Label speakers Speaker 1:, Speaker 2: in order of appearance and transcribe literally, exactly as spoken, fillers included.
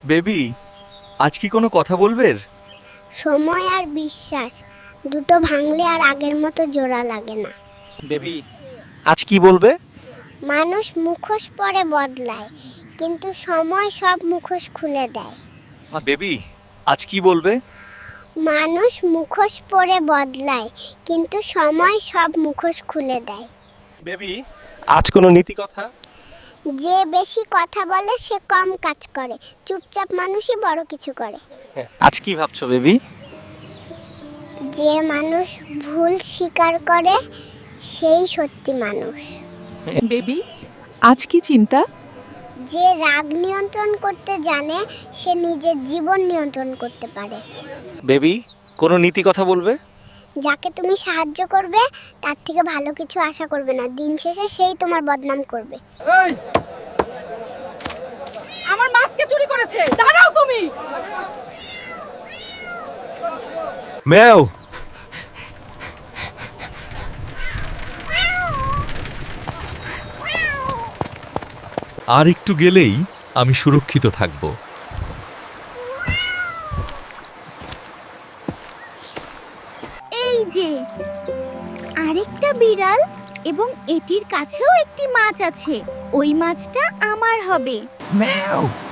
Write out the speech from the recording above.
Speaker 1: Baby, আজ কি কোনো কথা বলবে?
Speaker 2: সময় আর বিশ্বাস দুটো ভাঙলে আর আগের মতো জোড়া লাগে না।
Speaker 1: বেবি, আজ কি বলবে?
Speaker 2: মানুষ মুখোশ পরে বদলায়, কিন্তু সময় সব মুখোশ খুলে দেয়।
Speaker 1: বেবি, আজ কি বলবে?
Speaker 2: মানুষ মুখোশ পরে বদলায়, কিন্তু সময় সব মুখোশ খুলে দেয়।
Speaker 1: বেবি, আজ কোনো নীতি কথা?
Speaker 2: যে বেশি কথা বলে সে কম কাজ করে, চুপচাপ মানুষই বড় কিছু করে।
Speaker 1: আজ কি ভাবছো বেবি?
Speaker 2: যে মানুষ ভুল স্বীকার করে সেই সত্যি মানুষ।
Speaker 3: বেবি, আজ কি চিন্তা?
Speaker 2: যে রাগ নিয়ন্ত্রণ করতে জানে সে নিজের জীবন নিয়ন্ত্রণ করতে পারে।
Speaker 1: বেবি, কোনো নীতি কথা বলবে?
Speaker 2: যাকে তুমি সাহায্য করবে তার থেকে ভালো কিছু আশা করবে না, দিন শেষে সেই তোমার বদনাম করবে।
Speaker 3: আমার মাছকে চুরি করেছে, দাঁড়াও তুমি।
Speaker 1: ম্যাও।
Speaker 4: আর একটু গেলেই আমি সুরক্ষিত থাকব।
Speaker 5: এই যে আরেকটা বিড়াল, এবং এটির কাছেও একটি মাছ আছে। ওই মাছটা আমার হবে।
Speaker 4: ম্যাও।